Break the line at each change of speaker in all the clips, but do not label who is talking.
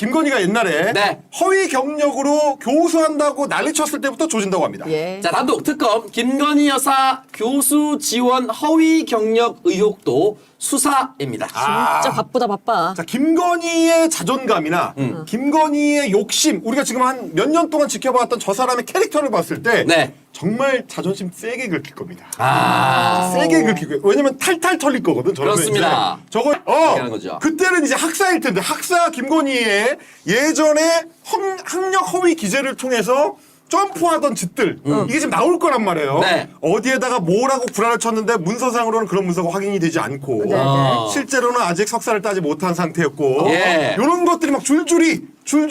김건희가 옛날에
네.
허위 경력으로 교수한다고 난리쳤을 때부터 조진다고 합니다.
예.
자, 단독 특검 김건희 여사 교수 지원 허위 경력 의혹도 수사입니다.
진짜 바쁘다 바빠.
자, 김건희의 자존감이나 김건희의 욕심, 우리가 지금 한 몇 년 동안 지켜봤던 저 사람의 캐릭터를 봤을 때
네.
정말 자존심 세게 긁힐 겁니다.
아,
세게 긁히고, 왜냐면 탈탈 털릴 거거든. 저러면
그렇습니다.
이제 저거
하는 거죠.
그때는 이제 학사일 텐데 학사 김건희의 예전에 학력 허위 기재를 통해서 점프하던 짓들 이게 지금 나올 거란 말이에요.
네.
어디에다가 뭐라고 구라를 쳤는데 문서상으로는 그런 문서가 확인이 되지 않고
네, 네.
실제로는 아직 석사를 따지 못한 상태였고
예.
이런 것들이 막 줄줄이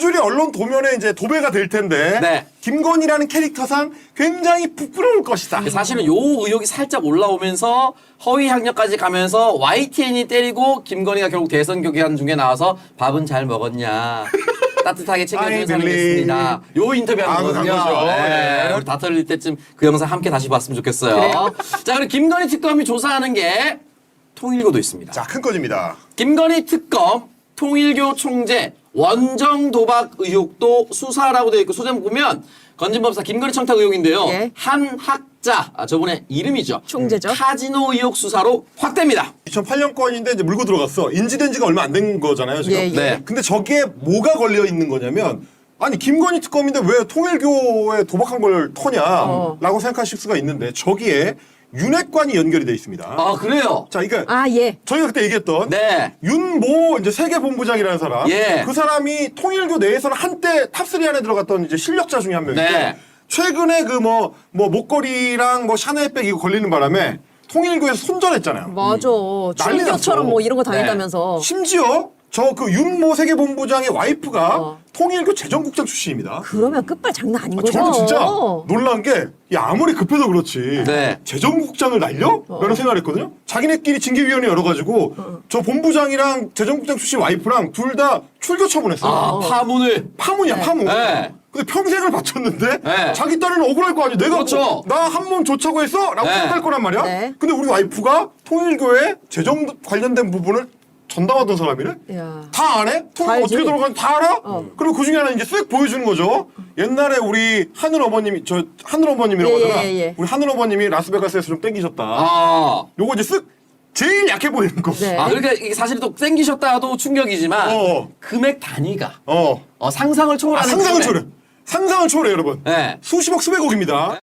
언론 도면에 이제 도배가 될 텐데
네.
김건희라는 캐릭터상 굉장히 부끄러울 것이다.
사실은 요 의혹이 살짝 올라오면서 허위 학력까지 가면서 YTN이 때리고 김건희가 결국 대선 교개한 중에 나와서 밥은 잘 먹었냐. 따뜻하게 챙겨주는 사람이 됐습니다. 요 인터뷰 하는
간
거거든요.
거죠.
네.
네.
우리 다 털릴 때쯤 그 영상 함께 다시 봤으면 좋겠어요. 자, 그리고 김건희 특검이 조사하는 게 통일교도 있습니다.
자, 큰 거집니다.
김건희 특검 통일교 총재 원정 도박 의혹도 수사라고 되어 있고 소제목 보면 건진법사 김건희 청탁 의혹인데요.
예.
한 학자, 저분의 이름이죠.
총재죠.
카지노 의혹 수사로 확대입니다.
2008년 건인데 이제 물고 들어갔어. 인지된 지가 얼마 안 된 거잖아요, 지금.
예, 예.
네.
근데 저기에 뭐가 걸려 있는 거냐면 아니 김건희 특검인데 왜 통일교에 도박한 걸 터냐라고 생각하실 수가 있는데 저기에 윤핵관이 연결이 돼 있습니다.
아, 그래요?
자, 이게
아 예.
저희가 그때 얘기했던
네.
윤모 이제 세계본부장이라는 사람,
예.
그 사람이 통일교 내에서는 한때 탑3 안에 들어갔던 이제 실력자 중에 한 명인데
네.
최근에 그 뭐 목걸이랑 뭐 샤넬백 이거 걸리는 바람에 통일교에서 손절했잖아요.
맞아.
난리
출교처럼
났어.
뭐 이런 거 다닌다면서.
심지어 저 그 윤모 세계본부장의 와이프가
어.
통일교 재정국장 출신입니다.
그러면 끝발 장난 아닌 거죠.
저는 진짜 놀란 게, 야, 아무리 급해도 그렇지.
네.
재정국장을 날려? 라는 생각을 했거든요. 자기네끼리 징계위원회 열어가지고, 저 본부장이랑 재정국장 출신 와이프랑 둘 다 출교 처분했어요.
아, 파문을.
파문이야, 파문.
네.
근데 평생을 바쳤는데,
네.
자기 딸은 억울할 거 아니야. 내가
그렇죠.
나 한 몸 좋자고 했어? 라고
네.
생각할 거란 말이야.
네.
근데 우리 와이프가 통일교회 재정 관련된 부분을 전담하던 사람이래?
야.
다 안 해? 통
알지.
어떻게 돌아가는지 다 알아? 그리고 그 중에 하나 이제 쓱 보여주는 거죠. 옛날에 우리 하늘 어머님이, 저 하늘 어머님이라고
예,
하잖아.
예, 예.
우리 하늘 어머님이 라스베가스에서 좀 땡기셨다.
아.
요거 이제 쓱 제일 약해 보이는 거.
네.
아, 그러니까 이게 사실 또 땡기셨다도 충격이지만 금액 단위가 상상을 초월하는
상상을
금액.
초래. 상상을 초래, 여러분.
네.
수십억, 수백억입니다.